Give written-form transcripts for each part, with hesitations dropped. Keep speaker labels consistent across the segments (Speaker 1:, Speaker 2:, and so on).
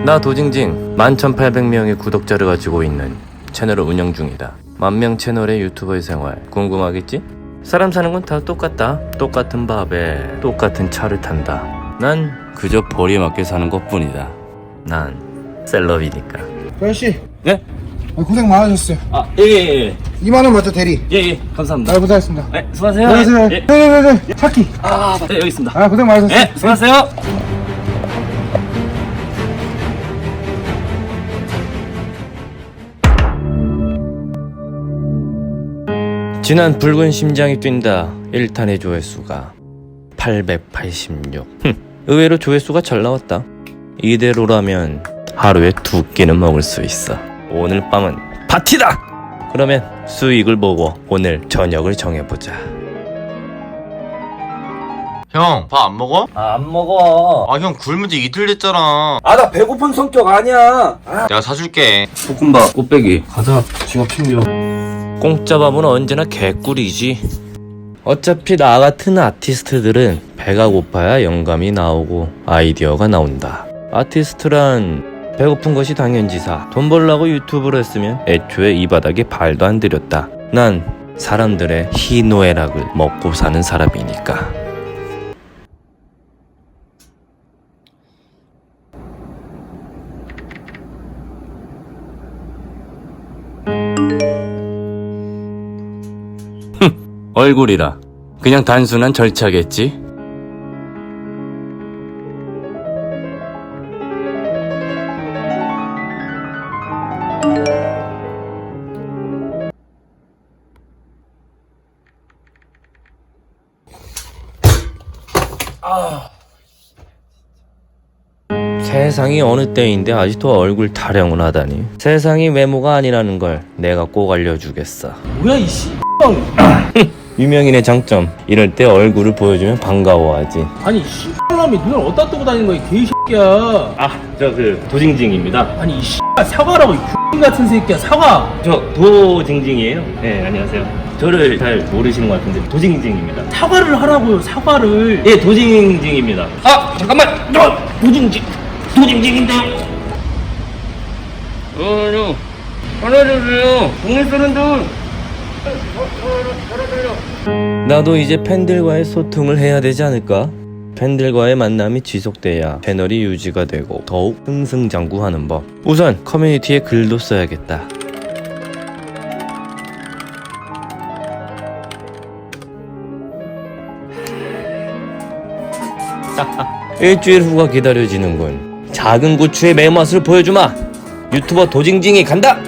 Speaker 1: 나 도징징 11,800명의 구독자를 가지고 있는 채널을 운영 중이다. 10,000명 채널의 유튜버의 생활 궁금하겠지? 사람 사는 건 다 똑같다. 똑같은 밥에 똑같은 차를 탄다. 난 그저 벌이에 맞게 사는 것뿐이다. 난 셀럽이니까.
Speaker 2: 아저씨,
Speaker 1: 네?
Speaker 2: 고생 많으셨어요.
Speaker 1: 예.
Speaker 2: 2만원 맞죠, 대리?
Speaker 1: 예, 감사합니다.
Speaker 2: 잘 부탁했습니다.
Speaker 1: 네, 수고하세요.
Speaker 2: 안녕하세요.
Speaker 1: 예.
Speaker 2: 네네네, 차키.
Speaker 1: 네, 여기 있습니다.
Speaker 2: 고생 많으셨어요.
Speaker 1: 네, 수고하세요. 지난 붉은 심장이 뛴다 1탄의 조회수가 886. 의외로 조회수가 잘 나왔다. 이대로라면 하루에 2끼는 먹을 수 있어. 오늘 밤은 파티다! 그러면 수익을 보고 오늘 저녁을 정해보자.
Speaker 3: 형, 밥 안 먹어?
Speaker 1: 안 먹어.
Speaker 3: 형 굶은 지 이틀 됐잖아.
Speaker 1: 나 배고픈 성격 아니야.
Speaker 3: 내가 사줄게.
Speaker 1: 볶음밥, 꽃배기. 가자, 지갑 챙겨. 공짜 밥은 언제나 개꿀이지. 어차피 나 같은 아티스트들은 배가 고파야 영감이 나오고 아이디어가 나온다. 아티스트란 배고픈 것이 당연지사. 돈 벌라고 유튜브를 했으면 애초에 이 바닥에 발도 안 들였다. 난 사람들의 희노애락을 먹고 사는 사람이니까. 얼굴이라 그냥 단순한 절차겠지. 세상이 어느 때인데 아직도 얼굴 타령을 하다니. 세상이 외모가 아니라는 걸 내가 꼭 알려주겠어.
Speaker 4: 뭐야 이 씨.
Speaker 1: 유명인의 장점, 이럴 때 얼굴을 보여주면 반가워하지.
Speaker 4: 아니 이 씨발놈이 눈을 어디다 뜨고 다니는 거야 이 개새끼야.
Speaker 1: 저 도징징입니다.
Speaker 4: 아니 이 씨발 사과라고 이 X 같은 새끼야. 사과.
Speaker 1: 저 도징징이에요. 네, 안녕하세요. 저를 잘 모르시는 것 같은데 도징징입니다.
Speaker 4: 사과를 하라고요. 사과를.
Speaker 1: 예, 도징징입니다. 잠깐만. 도징징인데요. 알아주세요. 동네 사람들. 나도 이제 팬들과의 소통을 해야 되지 않을까? 팬들과의 만남이 지속돼야 채널이 유지가 되고 더욱 승승장구하는 법. 우선 커뮤니티에 글도 써야겠다. 일주일 후가 기다려지는군. 작은 고추의 매맛을 보여주마. 유튜버 도징징이 간다.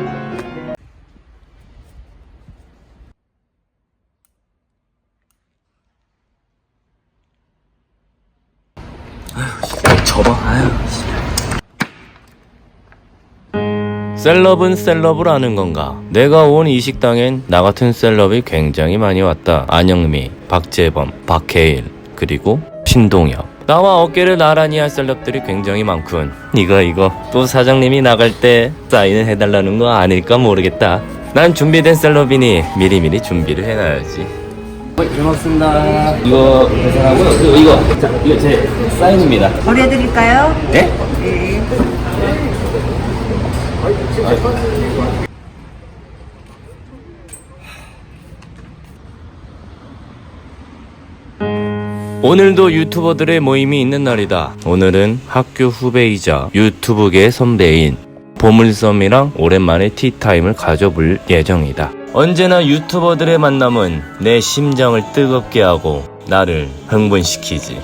Speaker 1: 셀럽은 셀럽을 아는 건가? 내가 온 이 식당엔 나 같은 셀럽이 굉장히 많이 왔다. 안영미, 박재범, 박해일, 그리고 신동엽. 나와 어깨를 나란히 할 셀럽들이 굉장히 많군. 이거 또 사장님이 나갈 때 사인을 해달라는 거 아닐까 모르겠다. 난 준비된 셀럽이니 미리미리 준비를 해놔야지. 잘 먹습니다. 이거 계산하고요. 이거 제 사인입니다.
Speaker 5: 버려드릴까요?
Speaker 1: 네?
Speaker 5: 네.
Speaker 1: 오늘도 유튜버들의 모임이 있는 날이다. 오늘은 학교 후배이자 유튜브계 선배인 보물섬이랑 오랜만에 티타임을 가져볼 예정이다. 언제나 유튜버들의 만남은 내 심장을 뜨겁게 하고 나를 흥분시키지.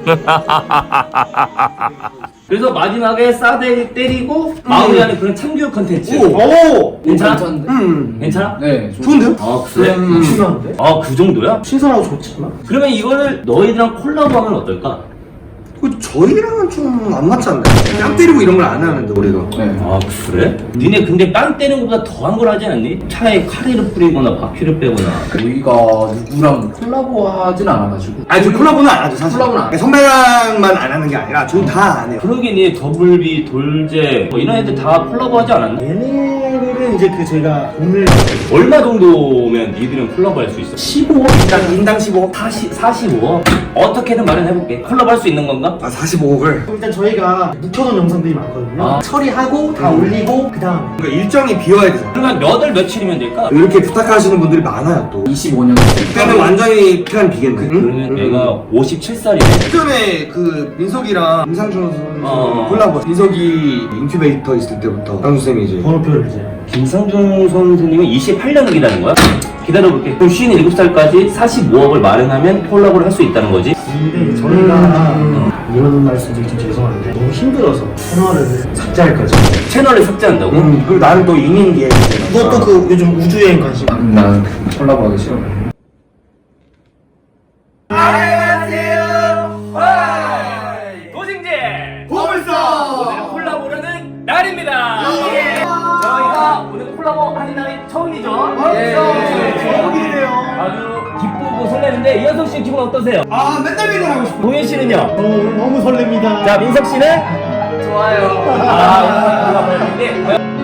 Speaker 1: 그래서 마지막에 싸대 때리고 마무리하는 그런 참교육 컨텐츠.
Speaker 2: 오!
Speaker 1: 괜찮아? 괜찮아?
Speaker 2: 네,
Speaker 1: 좋은데요? 그래?
Speaker 2: 신선한데?
Speaker 1: 그 정도야?
Speaker 2: 신선하고 좋지 않나?
Speaker 1: 그러면 이거를 너희들랑 콜라보하면 어떨까?
Speaker 2: 저희랑은 좀 안 맞지 않나요? 뺨 때리고 이런 걸 안 하는데, 우리가. 네.
Speaker 1: 그래? 니네 근데 빵 때리는 것보다 더한 걸 하지 않니? 차에 카레를 뿌리거나 바퀴를 빼거나.
Speaker 6: 저희가 누구랑 콜라보 하진 않아가지고.
Speaker 2: 아니, 저 콜라보는 안 하죠, 사실.
Speaker 6: 콜라보는 안 해요.
Speaker 2: 선배랑만 안 하는 게 아니라, 저는 다 안 해요.
Speaker 1: 그러게 니 더블비, 돌제 뭐 이런 애들 다 콜라보 하지 않았나?
Speaker 2: 얘네들은 이거는 이제 그 저희가 오늘
Speaker 1: 얼마 정도면 니들은 콜라보 할 수 있어?
Speaker 2: 15억 인당 15억
Speaker 1: 45억? 어떻게든 마련해볼게. 콜라보 할 수 있는 건가?
Speaker 2: 아 45억을
Speaker 5: 일단 저희가 묵혀놓은 영상들이 많거든요.
Speaker 1: 아.
Speaker 5: 처리하고 다 올리고 그 다음에
Speaker 2: 그러니까 일정이 비워야 되잖아.
Speaker 1: 그러면 몇 월 며칠이면 될까?
Speaker 2: 이렇게 부탁하시는 분들이 많아요 또.
Speaker 6: 25년
Speaker 2: 그때는 완전히 피한 비겠네.
Speaker 1: 그러면 내가 57살이네.
Speaker 2: 전에 그 민석이랑 임상준 선수
Speaker 1: 어.
Speaker 2: 콜라보. 민석이 인큐베이터 있을 때부터 상수 쌤이 이제
Speaker 5: 번호표를 이제
Speaker 1: 김상중 선생님은 28년을 기다린 거야? 기다려볼게. 그럼 57살까지 45억을 마련하면 콜라보를 할 수 있다는 거지?
Speaker 5: 근데 저희가 이런 말씀드리기 좀 죄송한데 너무 힘들어서 채널을 삭제할 거죠.
Speaker 1: 채널을 삭제한다고?
Speaker 2: 그리고 나는 또 이민기에
Speaker 5: 이것도 그 요즘 우주여행 관심.
Speaker 6: 난 콜라보 하기 싫어.
Speaker 1: 도징제! 보물서! 오늘은 콜라보라는 날입니다! 저희가 오늘 콜라보 하는 날이 처음이죠?
Speaker 5: 처음이네요.
Speaker 1: 아주 기쁘고 설레는데 이현석 씨 기분 어떠세요?
Speaker 2: 아 맨날 맨날 하고 싶어.
Speaker 1: 동현 씨는요?
Speaker 5: 너무 설렙니다.
Speaker 1: 자 민석 씨는? 좋아요. 아 오늘 콜라보 했는데